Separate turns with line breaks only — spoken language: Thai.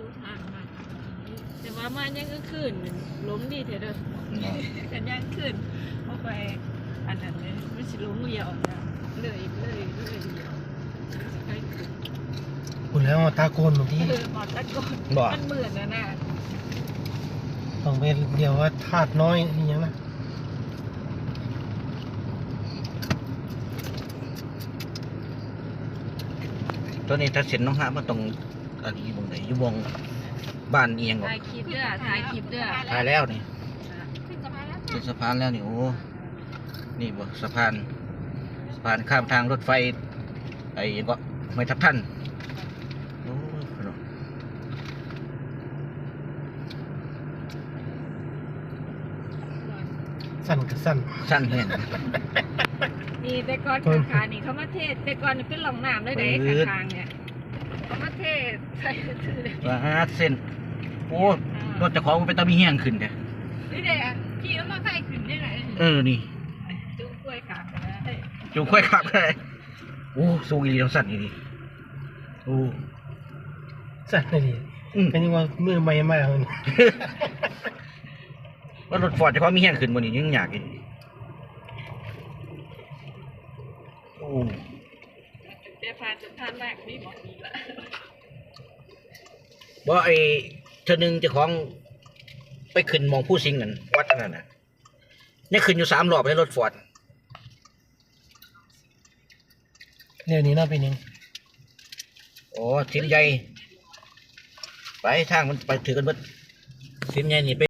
แต่ว่ามายังก็ขึ้นล้มดีเถอะเด้อกันยังขึ้นเข้าไปอันนั้นเลยไม่ใช่ล้มเดียวนะเลยเดียว
คุณแล้วตาโกนบางที
หมอตะโกนมันเหมือนนะ
ต้องเป็นเดียวว่าธาตุน้อยนี่ยังนะ
ตัวนี้ถ้าเสร็จน้องฮะมันต้องอันนี้วงไหนอยู่วงบ้านเอียงก่อน
ถ่ายคลิปเด้อถ่ายคลิปเด้อ
ถ่ายแล้วนี่
ขึ้นสะพานแล้ว
ขึ้นสะพานแล้วนี่โอ้นี่บ่สะพานข้ามทางรถไฟไอ้ยังก็ไม่ทับท่านโอ้
สั้นกับสั้น
สั้นแห้ง
นี่แต่ก่อนขานี่เขามาเทศแต่ก่อนเป็นหลองน้ำเลยเด้ข้างๆเนี่ยเขามาเทศใส่ถือ
ว่าเส้นโอ้รถเจะของมันเป็นตะมีแห้งขึ้นเด้
นี่เด้ขี่แล้วมาใครขึ้นได้ไหน
นี่
จูงกล้วยขาไปได้
จูงค่อยขับเลยโอ้สูงอีหลีแล้วสั้นอีหลีโอ้
สั้นเลยเป็นยังว่ามือใหม่มากเลย
ว่ารถฟอร์ดเจะของมีแห้งขึ้นบนนี้ยังอยากอีกโอ้
เดี๋ยวพาจุดท่านแรกนี่บอกดีละ
บ่ไอ้เธอหนึ่งเจ้าของไปขึ้นมองผู้สิงกันวัดนั่นน่ะนี่ขึ้นอยู่3 รอบในรถฟอร์ด
เรื่องนี้น่าเป็นยัง
โอ้สินใหญ่ไปทางมันไปถือกันเบิดสินใหญ่นี่ไป